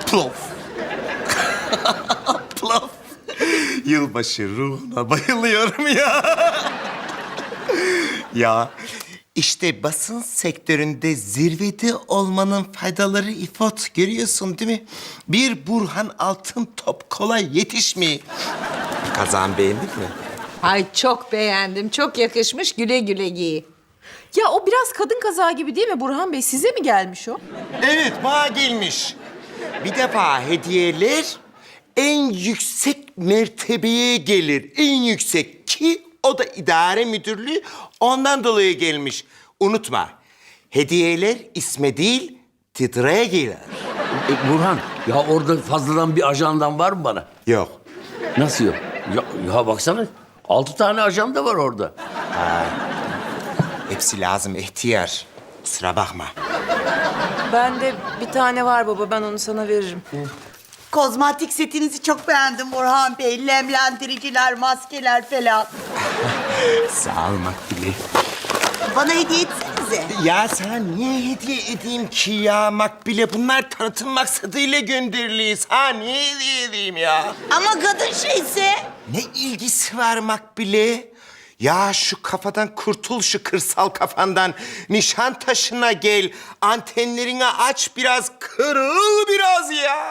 Plof. Plof. Yılbaşı ruhuna bayılıyorum ya. Ya işte basın sektöründe zirvede olmanın faydaları İfot. Görüyorsun değil mi? Bir Burhan Altıntop kolay yetişmiyor. Kazan beğendin mi? Ay çok beğendim. Çok yakışmış. Güle güle giy. Ya o biraz kadın kazağı gibi değil mi Burhan Bey? Size mi gelmiş o? Evet, bana gelmiş. Bir defa hediyeler en yüksek mertebeye gelir. En yüksek ki o da idare müdürlüğü ondan dolayı gelmiş. Unutma, hediyeler isme değil titreye gelir. Burhan, ya orada fazladan bir ajandan var mı bana? Yok. Nasıl yok? Ya baksana, 6 tane ajanda var orada. Hepsi lazım ihtiyar. Kusura bakma. Bende bir tane var baba. Ben onu sana veririm. Kozmetik setinizi çok beğendim Burhan Bey. Lemlendiriciler, maskeler falan. Sağ ol Makbule. Bana hediye etsenize. Ya sana niye hediye edeyim ki ya Makbule? Bunlar tanıtım maksadıyla gönderiliyiz. Ha niye hediye edeyim ya? Ama kadın şeyse. Ne ilgisi var Makbule? Ya şu kafadan kurtul, şu kırsal kafandan. Nişantaşı'na gel. Antenlerini aç biraz, kırıl biraz ya.